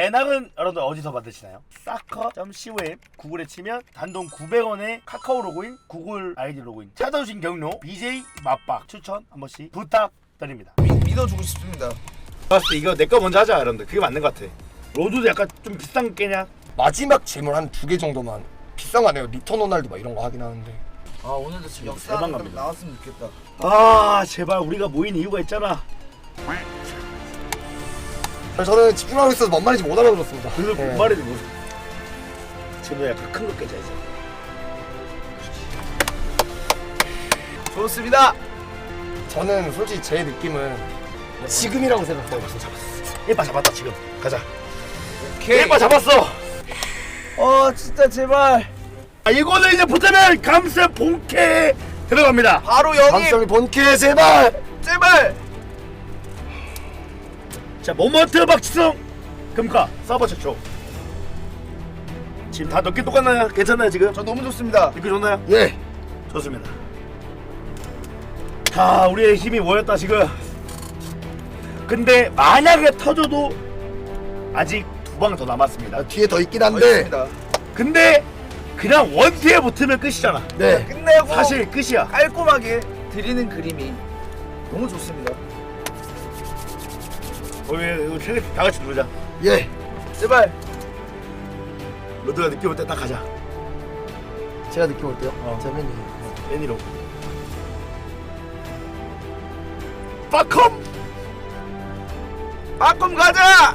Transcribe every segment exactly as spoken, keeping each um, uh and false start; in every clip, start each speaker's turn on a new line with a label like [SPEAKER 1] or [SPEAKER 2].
[SPEAKER 1] 배낭은 여러분들 어디서 받으시나요? 사커.com 구글에 치면 단돈 구백 원에 카카오 로그인, 구글 아이디 로그인 찾아오신 경로 비제이 맛박 추천 한 번씩 부탁드립니다.
[SPEAKER 2] 미, 믿어주고 싶습니다.
[SPEAKER 1] 봤을 때 이거 내 거 먼저 하자 여러분들. 그게 맞는 것 같아. 로드도 약간 좀 비싼 게냐?
[SPEAKER 3] 마지막 재물 한 두 개 정도만 비싼 거 아니에요. 리턴 호날두 막 이런 거 하긴 하는데.
[SPEAKER 2] 아 오늘도 지금 역사
[SPEAKER 1] 대박
[SPEAKER 2] 좀
[SPEAKER 1] 갑니다.
[SPEAKER 2] 나왔으면 좋겠다.
[SPEAKER 1] 아 제발 우리가 모인 이유가 있잖아.
[SPEAKER 3] 저는 집중하고 있어서 뭔 말인지 못 알아들었습니다.
[SPEAKER 1] 그래서
[SPEAKER 3] 네.
[SPEAKER 1] 그 말해도 뭐 지금 약간 큰 거 깨져야지.
[SPEAKER 2] 좋습니다.
[SPEAKER 3] 저는 솔직히 제 느낌은 지금이라고 생각해요.
[SPEAKER 1] 일바 잡았다 지금. 가자.
[SPEAKER 2] 오케이.
[SPEAKER 1] 일바 잡았어.
[SPEAKER 2] 어 진짜 제발.
[SPEAKER 1] 아, 이거는 이제 붙으면 감세 본캐 들어갑니다.
[SPEAKER 2] 바로 영입.
[SPEAKER 3] 감성이 본캐 제발.
[SPEAKER 2] 제발.
[SPEAKER 1] 자 모먼트 박지성 금카 서버 최초. 지금 다 넣기 똑같나요? 괜찮나요 지금?
[SPEAKER 2] 저 너무 좋습니다.
[SPEAKER 1] 느낌 좋나요?
[SPEAKER 3] 예.
[SPEAKER 1] 좋습니다. 자 우리의 힘이 모였다 지금. 근데 만약에 터져도 아직 두 방 더 남았습니다.
[SPEAKER 3] 뒤에 더 있긴 한데.
[SPEAKER 2] 알겠습니다.
[SPEAKER 1] 근데 그냥 원티에 붙으면 끝이잖아.
[SPEAKER 3] 네.
[SPEAKER 2] 끝내고
[SPEAKER 1] 사실 끝이야.
[SPEAKER 2] 깔끔하게 드리는 그림이 너무 좋습니다.
[SPEAKER 1] 우리 우리 세- 다 같이 누르자.
[SPEAKER 3] 예.
[SPEAKER 2] 제발.
[SPEAKER 1] 로드가 느낌 올 때 딱 가자.
[SPEAKER 3] 제가 느낌 어때요?
[SPEAKER 1] 어.
[SPEAKER 3] 제 맨이.
[SPEAKER 1] 애니로. 빠컴.
[SPEAKER 2] 빠꿈 가자.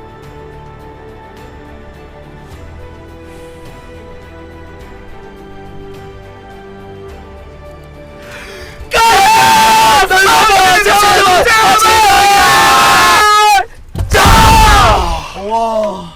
[SPEAKER 1] 와.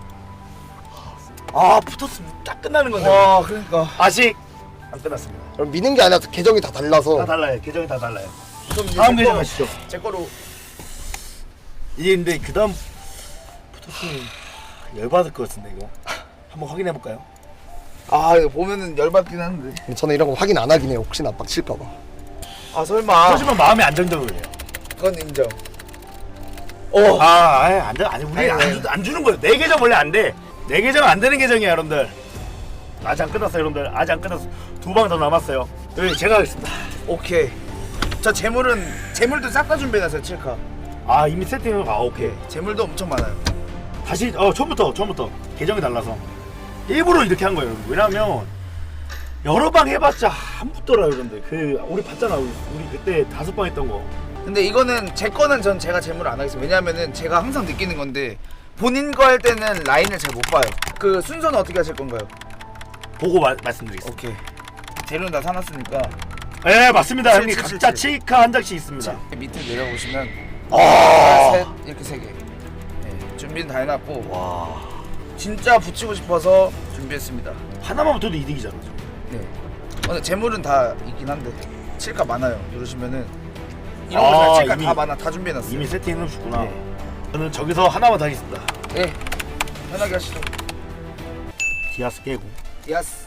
[SPEAKER 1] 아 붙었으면 딱 끝나는 건데.
[SPEAKER 2] 와 그러니까.
[SPEAKER 1] 아직 안 끝났습니다.
[SPEAKER 3] 그럼 미는 게 아니라 계정이 다 달라서.
[SPEAKER 1] 다 달라요. 계정이 다 달라요.
[SPEAKER 2] 그럼 이제
[SPEAKER 1] 다음
[SPEAKER 2] 제
[SPEAKER 1] 계정
[SPEAKER 2] 거-
[SPEAKER 1] 가시죠.
[SPEAKER 2] 제 거로.
[SPEAKER 1] 이게 근데 그 다음 붙었으면 열받을 것 같은데 이거. 한번 확인해 볼까요?
[SPEAKER 2] 아 이거 보면은 열받긴 한데.
[SPEAKER 3] 저는 이런 거 확인 안 하긴 해요. 혹시나 빡칠까 봐.
[SPEAKER 2] 아 설마.
[SPEAKER 1] 터지면 마음이 안정적으로 해요.
[SPEAKER 2] 그건 인정.
[SPEAKER 1] 어. 아, 아예 안 돼. 아니 우리
[SPEAKER 2] 아니,
[SPEAKER 1] 안,
[SPEAKER 2] 아니.
[SPEAKER 1] 주, 안 주는 거예요. 내 계정 원래 안 돼. 내 계정 안 되는 계정이야, 여러분들. 아직 안 끝났어요, 여러분들. 아직 안 끝났어. 두 방 더 남았어요. 여기 제가 하겠습니다.
[SPEAKER 2] 오케이. 저 재물은 재물도 싹 다 준비해놨어요. 칠카.
[SPEAKER 1] 아 이미 세팅을 아 오케이.
[SPEAKER 2] 재물도 엄청 많아요.
[SPEAKER 1] 다시 어 처음부터 처음부터 계정이 달라서 일부러 이렇게 한 거예요. 여러분. 왜냐면 여러 방 해봤자 안 붙더라, 여러분들. 그 우리 봤잖아, 우리, 우리 그때 다섯 방 했던 거.
[SPEAKER 2] 근데 이거는 제 거는 전 제가 재물을 안 하겠습니다. 왜냐면은 제가 항상 느끼는 건데 본인 거 할 때는 라인을 잘 못 봐요. 그 순서는 어떻게 하실 건가요?
[SPEAKER 1] 보고 마, 말씀드리겠습니다.
[SPEAKER 2] 오케이. 재료는 다 사놨으니까.
[SPEAKER 1] 네 맞습니다,
[SPEAKER 2] 칠,
[SPEAKER 1] 형님.
[SPEAKER 2] 칠,
[SPEAKER 1] 각자
[SPEAKER 2] 칠,
[SPEAKER 1] 칠카 한 장씩 있습니다.
[SPEAKER 2] 자, 밑에 내려보시면
[SPEAKER 1] 아,
[SPEAKER 2] 셋 이렇게 세 개. 네, 준비는 다 해놨고
[SPEAKER 1] 와
[SPEAKER 2] 진짜 붙이고 싶어서 준비했습니다.
[SPEAKER 1] 하나만 붙어도 이득이잖아. 저.
[SPEAKER 2] 네. 어, 근데 재물은 다 있긴 한데 칠카 많아요. 누르시면은 이런
[SPEAKER 1] 아,
[SPEAKER 2] 거 칠카
[SPEAKER 1] 이미-
[SPEAKER 2] 다 많아. 다 준비해놨어요.
[SPEAKER 1] 이미 세팅해 놓으셨구나.
[SPEAKER 2] 네.
[SPEAKER 1] 저는 저기서 하나만 더 하겠습니다.
[SPEAKER 2] 네. 편하게 하시죠.
[SPEAKER 1] 디아스 깨고.
[SPEAKER 2] 야스.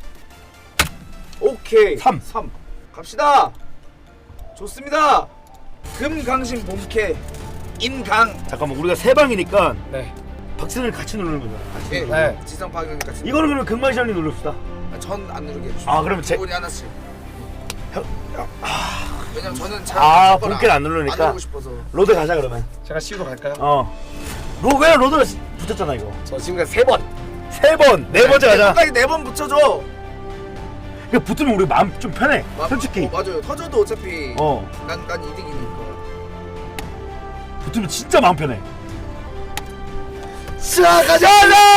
[SPEAKER 2] 오케이.
[SPEAKER 1] 삼.
[SPEAKER 2] 삼. 갑시다. 좋습니다. 금강신 본캐 인강.
[SPEAKER 1] 잠깐만 우리가 세 방이니까
[SPEAKER 3] 네.
[SPEAKER 1] 박스를 같이 누르는 거잖아. 같이
[SPEAKER 2] 네.
[SPEAKER 1] 누르는 거.
[SPEAKER 3] 네.
[SPEAKER 2] 지성 파괴니까.
[SPEAKER 1] 이거는 그러면 금마시안이 누릅시다.
[SPEAKER 2] 전안 누르게 해주시죠.
[SPEAKER 1] 아, 그러면 제-
[SPEAKER 2] 분이 하나씩.
[SPEAKER 1] 형,
[SPEAKER 2] 왜냐면 저는 잘
[SPEAKER 1] 아,
[SPEAKER 2] 제 거를
[SPEAKER 1] 본캐를 안 누르니까.
[SPEAKER 2] 안 누르고 싶어서.
[SPEAKER 1] 로드 가자 그러면.
[SPEAKER 3] 제가 씌우러 갈까요?
[SPEAKER 1] 어. 로, 왜 로드가 시- 붙었잖아 이거.
[SPEAKER 3] 저 지금까지 세 번.
[SPEAKER 1] 세 번, 네 번째 가자.
[SPEAKER 2] 끝까지 네번 붙여줘.
[SPEAKER 1] 이거 붙으면 우리 마음 좀 편해.
[SPEAKER 2] 마-
[SPEAKER 1] 솔직히.
[SPEAKER 2] 어, 맞아요. 터져도 어차피
[SPEAKER 1] 어.
[SPEAKER 2] 난, 난 이득이니까.
[SPEAKER 1] 붙으면 진짜 마음 편해.
[SPEAKER 3] 자 가자.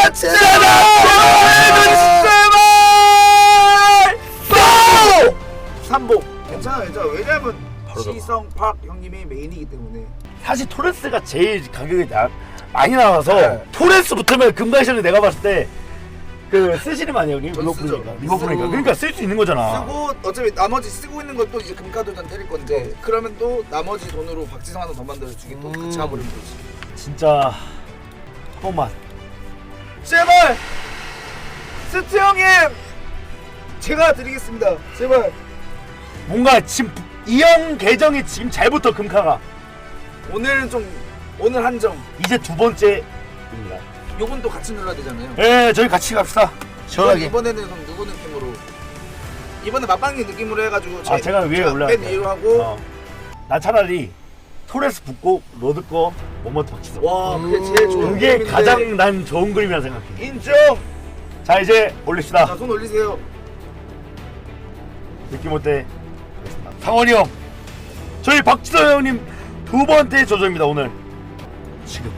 [SPEAKER 2] 삼복. 괜찮아, 괜찮아. 왜냐면
[SPEAKER 1] 바로 들어가.
[SPEAKER 2] 시성 팍 형님이 메인이기 때문에.
[SPEAKER 1] 사실 토레스가 제일 가격이 나, 많이 나와서
[SPEAKER 2] 네.
[SPEAKER 1] 토레스 붙으면 금가시안이 내가 봤을 때 그 쓰시는 거 아니에요, 형님?
[SPEAKER 2] 전
[SPEAKER 1] 리버풀이니까.
[SPEAKER 2] 쓰죠.
[SPEAKER 1] 리버풀이니까.
[SPEAKER 2] 쓰고.
[SPEAKER 1] 그러니까 쓸 수 있는 거잖아.
[SPEAKER 2] 쓰고 어차피 나머지 쓰고 있는 것도 이제 금카도전 때릴 건데 그러면 또 나머지 돈으로 박지성 하나 더 만들어 주기 또
[SPEAKER 3] 음.
[SPEAKER 2] 같이 가버리면 되지.
[SPEAKER 1] 진짜 한 번만.
[SPEAKER 2] 제발 스트 형님 제가 드리겠습니다. 제발.
[SPEAKER 1] 뭔가 지금 이 형 계정이 지금 잘 붙어 금카가.
[SPEAKER 2] 오늘은 좀 오늘 한정.
[SPEAKER 1] 이제 두 번째입니다.
[SPEAKER 2] 요건 또 같이 눌러야 되잖아요.
[SPEAKER 1] 예, 저희 같이 갑시다. 시원하게.
[SPEAKER 2] 이번에는 그럼 누구 느낌으로? 이번에 맛방기 느낌으로 해가지고
[SPEAKER 1] 아, 제가 위에 올라갈게요.
[SPEAKER 2] 맨 위로 하고.
[SPEAKER 1] 어. 나 차라리 토레스 붙고 로드 거 모먼트 박치서.
[SPEAKER 2] 와, 그게 제일 좋은
[SPEAKER 1] 그게
[SPEAKER 2] 그림인데.
[SPEAKER 1] 가장 난 좋은 그림이라 생각해.
[SPEAKER 2] 인정.
[SPEAKER 1] 자, 이제 올립시다.
[SPEAKER 2] 자, 손 올리세요.
[SPEAKER 1] 느낌 어때? 상원이 형, 저희 박지성 형님 두 번째 조조입니다 오늘. 지금.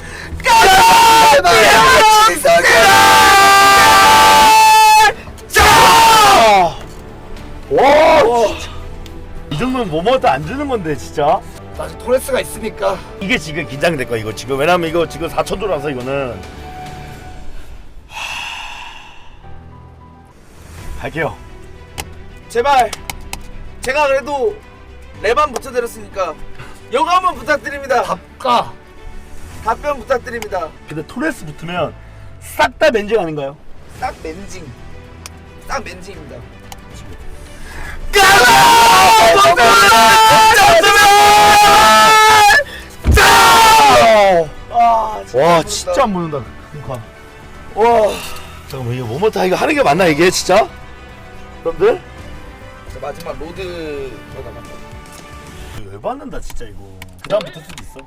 [SPEAKER 1] 와, 진짜. 이 정도면 모먼트 안 주는 건데 진짜.
[SPEAKER 3] 아직 토레스가 있으니까.
[SPEAKER 1] 이게 지금 긴장될 거야 이거 지금. 왜냐면 이거 지금 사천 조라서 이거는. 갈게요.
[SPEAKER 2] 제발. 제가 그래도 레반 붙여드렸으니까 요거 한번 부탁드립니다.
[SPEAKER 3] 답가.
[SPEAKER 2] 답변 부탁드립니다.
[SPEAKER 1] 근데 토레스 붙으면 싹 다 맨징 아닌가요?
[SPEAKER 2] 딱 맨징. 딱 맨징입니다. 아,
[SPEAKER 1] 와 진짜 안 보는다. 그러니까. 와 잠깐만 이거 모먼트 이거 하는 게 맞나 이게 진짜? 여러분들?
[SPEAKER 2] 자, 마지막 로드 저가 맞다.
[SPEAKER 1] 왜 받는다 진짜 이거. 그 다음 붙을 수도 있어.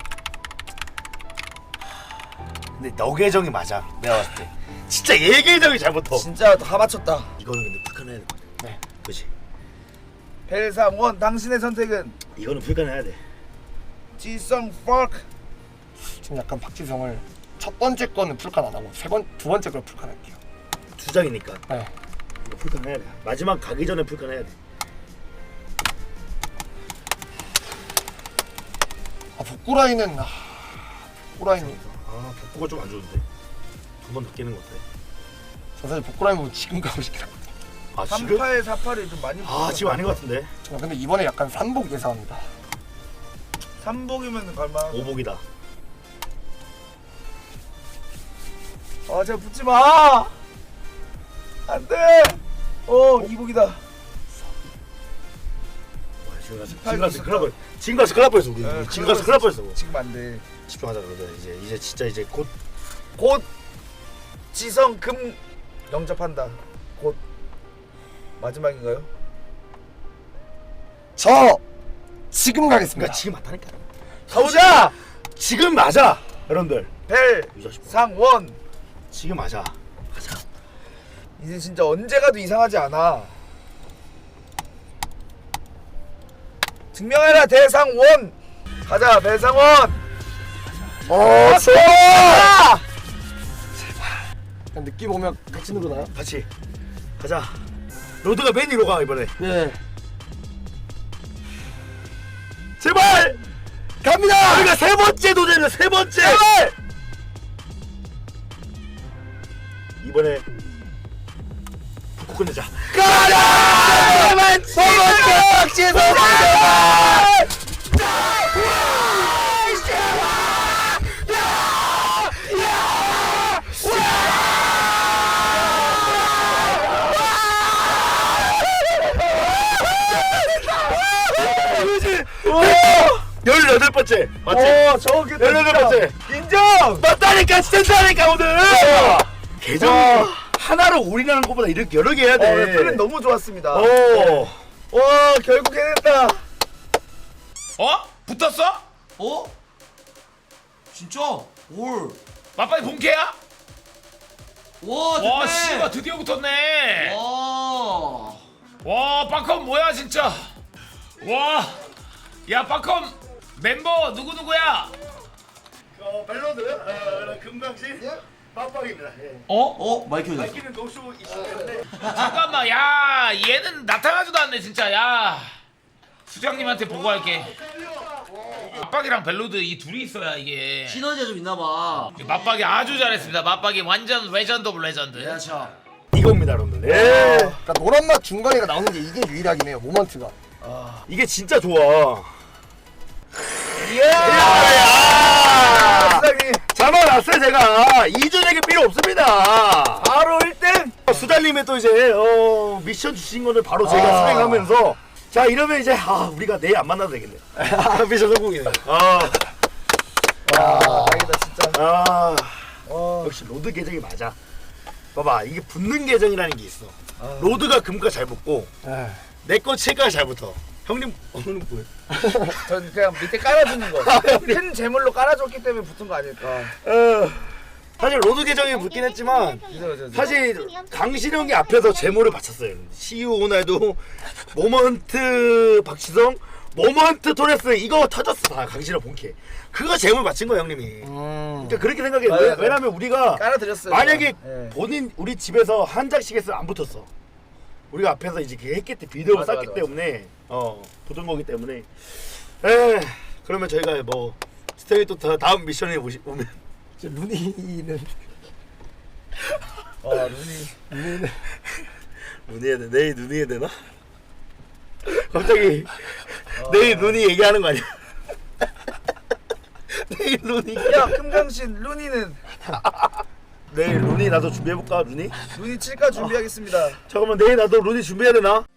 [SPEAKER 1] 근데 너 계정이 맞아 내가 봤을 때. 진짜 얘 계정이 잘 붙어.
[SPEAKER 2] 진짜 다 맞췄다.
[SPEAKER 1] 이거는 근데 불가능해야 될 것 같아.
[SPEAKER 3] 네.
[SPEAKER 1] 그렇지.
[SPEAKER 2] 벨상원 당신의 선택은
[SPEAKER 1] 이거는 불가능해야 돼.
[SPEAKER 2] 지성 파크.
[SPEAKER 3] 지금 약간 박지성을 첫 번째 거는 풀칸 안 하고 세 번 두 번째 걸 풀칸 할게요.
[SPEAKER 1] 두 장이니까.
[SPEAKER 3] 네.
[SPEAKER 1] 이거 불가능해야 돼. 마지막 가기 전에 불가능해야 돼.
[SPEAKER 3] 아 복구 라인은 아, 복구 라인이
[SPEAKER 1] 아 복구가 좀 안 좋은데. 두 번 더 깨는 거 어때?
[SPEAKER 3] 저 사실 복구 라인 보면 지금 가고 싶긴 하거든요.
[SPEAKER 1] 아 지금?
[SPEAKER 2] 삼팔 사팔이 좀 많이
[SPEAKER 1] 아 지금 아닌 것 같은데.
[SPEAKER 3] 저 근데 이번에 약간 삼복 예상합니다.
[SPEAKER 2] 삼복이면 갈만.
[SPEAKER 1] 오복이다.
[SPEAKER 2] 아 제가 붙지 마. 안돼. 어 이복이다.
[SPEAKER 1] 와, 지금 가서 지금 가서 큰일 날 뻔. 지금 가서 큰일 날 뻔했어 우리.
[SPEAKER 2] 네,
[SPEAKER 1] 지금 가서 큰일 날 뻔했어.
[SPEAKER 2] 지금 안돼.
[SPEAKER 1] 집중하자 그러자. 이제 이제 진짜 이제 곧.
[SPEAKER 2] 곧 지성 금 영접한다. 곧 마지막인가요?
[SPEAKER 3] 저 지금 가겠습니다.
[SPEAKER 1] 그러니까 지금 맞다니까.
[SPEAKER 2] 가보자.
[SPEAKER 1] 지금 맞아 여러분들.
[SPEAKER 2] 벨
[SPEAKER 1] 이 자식 봐.
[SPEAKER 2] 상원.
[SPEAKER 1] 지금 맞아. 가자.
[SPEAKER 2] 이제 진짜 언제 가도 이상하지 않아. 증명해라 대상원. 가자 배상원.
[SPEAKER 3] 어 좋아. 그냥 느낌 오면 같이 누르나요?
[SPEAKER 1] 같이 가자. 로드가 맨 위로 가 이번에.
[SPEAKER 3] 네.
[SPEAKER 1] 제발
[SPEAKER 3] 갑니다.
[SPEAKER 1] 우리가 세 번째 도전이야 세 번째. 제발. 이번에 북구 끝내자.
[SPEAKER 3] 가자. 제발 지성
[SPEAKER 1] 열여덟 번째 맞지?
[SPEAKER 2] 오 저게
[SPEAKER 1] 열여덟 번째
[SPEAKER 2] 인정.
[SPEAKER 1] 맞다니까 진짜니까 오늘. 계정 하나로 올인하는 것보다 이렇게 여러 개 해야
[SPEAKER 2] 어,
[SPEAKER 1] 돼.
[SPEAKER 2] 플랜 너무 좋았습니다.
[SPEAKER 1] 오.
[SPEAKER 2] 와 결국 해냈다.
[SPEAKER 4] 어? 붙었어?
[SPEAKER 5] 어? 진짜? 올.
[SPEAKER 4] 맞빨리 본캐야?
[SPEAKER 5] 와, 됐네.
[SPEAKER 4] 와 씨가 드디어 붙었네.
[SPEAKER 5] 와.
[SPEAKER 4] 와 빠컴 뭐야 진짜. 와. 야 빠컴 멤버 누구 누구야?
[SPEAKER 1] 어 밸런드 어, 금강신 빡빡입니다. 예.
[SPEAKER 5] 어? 어? 마이크 켜졌어.
[SPEAKER 1] 밝히는 노쇼 이시는데.
[SPEAKER 4] 잠깐만 야 얘는 나타나지도 않네 진짜. 야 수장님한테 보고할게. 맞박이랑 벨로드 이 둘이 있어야 이게.
[SPEAKER 5] 시너지가 좀 있나 봐.
[SPEAKER 4] 맞박이 아주 잘했습니다. 맞박이 완전 레전드 오브 레전드.
[SPEAKER 5] 야, 자.
[SPEAKER 1] 이겁니다, 여러분들. 예.
[SPEAKER 3] 그러니까 노란 맛 중간에가 나오는 게 이게 유일하긴 해요. 모먼트가.
[SPEAKER 1] 이게 진짜 좋아.
[SPEAKER 2] 이야. 수장님
[SPEAKER 1] 잡아놨어요, 제가. 이준에게 필요 없습니다.
[SPEAKER 2] 바로 일 등.
[SPEAKER 1] 수달님의 또 이제 어, 미션 주신 거를 바로 제가
[SPEAKER 3] 아.
[SPEAKER 1] 수행하면서 자 이러면 이제 아 우리가 내일 안 만나도 되겠네. 미션 성공이네. 아,
[SPEAKER 2] 와 다행이다 진짜.
[SPEAKER 1] 아
[SPEAKER 2] 와.
[SPEAKER 1] 역시 로드 계정이 맞아. 봐봐 이게 붙는 계정이라는 게 있어.
[SPEAKER 2] 아.
[SPEAKER 1] 로드가 금가 잘 붙고
[SPEAKER 3] 아,
[SPEAKER 1] 내 거 채가 잘 붙어. 형님 오늘 뭐예요?
[SPEAKER 2] 전 그냥 밑에 깔아주는 거.
[SPEAKER 1] 아,
[SPEAKER 2] 큰 재물로 깔아줬기 때문에 붙은 거 아닐까.
[SPEAKER 1] 어, 사실 로드 계정이 붙긴 했지만
[SPEAKER 2] 그죠, 그죠, 그죠.
[SPEAKER 1] 사실 강신형이 앞에서 제모를 바쳤어요. 시우 호날두, 모먼트 박지성, 모먼트 토레스 이거 터졌어 다 강신형 본캐. 그거 제모를 바친 거야 형님이.
[SPEAKER 3] 음.
[SPEAKER 1] 그러니까 그렇게 생각해.
[SPEAKER 2] 맞아요,
[SPEAKER 1] 왜,
[SPEAKER 2] 맞아요.
[SPEAKER 1] 왜냐면 우리가
[SPEAKER 2] 깔아드렸어요.
[SPEAKER 1] 만약에
[SPEAKER 2] 예.
[SPEAKER 1] 본인 우리 집에서 한 장씩 했으면 안 붙었어. 우리가 앞에서 이제 그 했기 때 비디오를
[SPEAKER 2] 맞아,
[SPEAKER 1] 쌌기
[SPEAKER 2] 맞아,
[SPEAKER 1] 때문에 어 붙은 거기 때문에. 에 그러면 저희가 뭐 스테이 또 다- 다음 미션에 오시, 오면
[SPEAKER 3] 저 루니는
[SPEAKER 2] 어, 눈이.
[SPEAKER 3] 루니는
[SPEAKER 1] 눈이 해야 돼. 내일 눈이 해야 되나? 갑자기 내일 눈이 얘기하는 거 아니야? 내일 눈이
[SPEAKER 2] 야, 금강신 루니는
[SPEAKER 1] 내일 루니 나도 준비해볼까 루니?
[SPEAKER 2] 루니 칠까 준비하겠습니다.
[SPEAKER 1] 잠깐만 내일 나도 루니 준비해야 되나?